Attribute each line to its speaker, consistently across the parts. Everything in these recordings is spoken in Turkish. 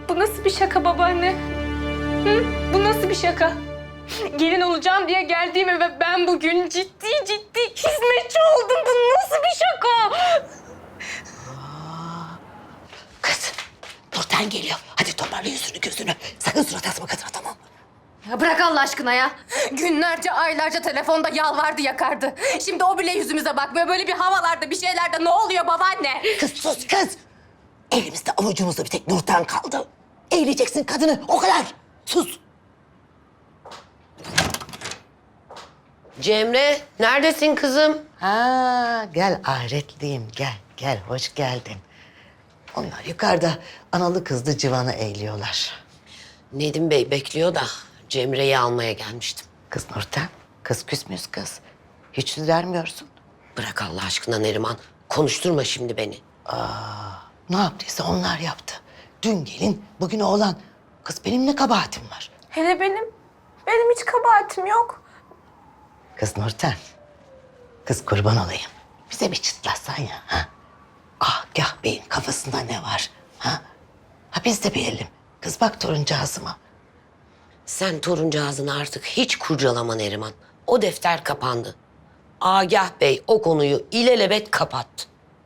Speaker 1: Bu nasıl bir şaka babaanne? Hı? Bu nasıl bir şaka? Gelin olacağım diye geldiğim eve ben bugün ciddi hizmetçi oldum. Bu nasıl bir şaka?
Speaker 2: Kız, Nurten geliyor. Hadi toparla yüzünü gözünü. Sakın surat asma kadına, tamam mı?
Speaker 3: Ya bırak Allah aşkına ya. Günlerce, aylarca telefonda yalvardı, yakardı. Şimdi o bile yüzümüze bakmıyor. Böyle bir havalarda, bir şeylerde ne oluyor babaanne?
Speaker 2: Kız sus kız. Elimizde avucumuzda bir tek Nurten kaldı. Eğleyeceksin kadını, o kadar. Sus.
Speaker 4: Cemre, neredesin kızım?
Speaker 2: Ha, gel ahretliyim, gel, hoş geldin. Onlar yukarıda analı kızlı civanı eğliyorlar.
Speaker 4: Nedim Bey bekliyor da Cemre'yi almaya gelmiştim.
Speaker 2: Kız Nurten, kız küs müyüz kız? Hiç yüz vermiyorsun.
Speaker 4: Bırak Allah aşkına Neriman, konuşturma şimdi beni.
Speaker 2: Ne yaptıysa onlar yaptı. Dün gelin, bugün oğlan. Kız benim ne kabahatim var?
Speaker 1: Hele benim hiç kabahatim yok.
Speaker 2: Kız Nurten, kız kurban olayım. Bize bir çıtlatsan ya, ha? Agah Bey'in kafasında ne var, ha? Ha biz de bilelim. Kız bak toruncağızıma.
Speaker 4: Sen toruncağızını artık hiç kurcalama Neriman. O defter kapandı. Agah Bey o konuyu ilelebet kapattı.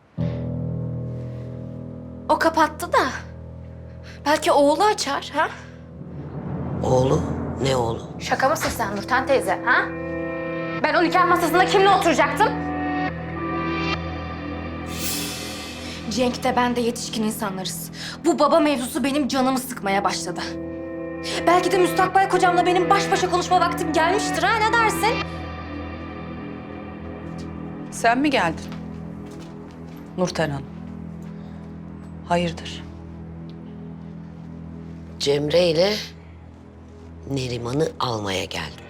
Speaker 3: O kapattı da. Belki oğlu açar, ha?
Speaker 4: Oğlu, ne oğlu?
Speaker 3: Şaka mısın sen Nurten teyze, ha? Ben o nikah masasında kimle oturacaktım? Cenk de ben de yetişkin insanlarız. Bu baba mevzusu benim canımı sıkmaya başladı. Belki de müstakbel kocamla benim baş başa konuşma vaktim gelmiştir, ha? Ne dersin?
Speaker 5: Sen mi geldin? Nurten Hanım. Hayırdır?
Speaker 4: Cemre ile Neriman'ı almaya geldim.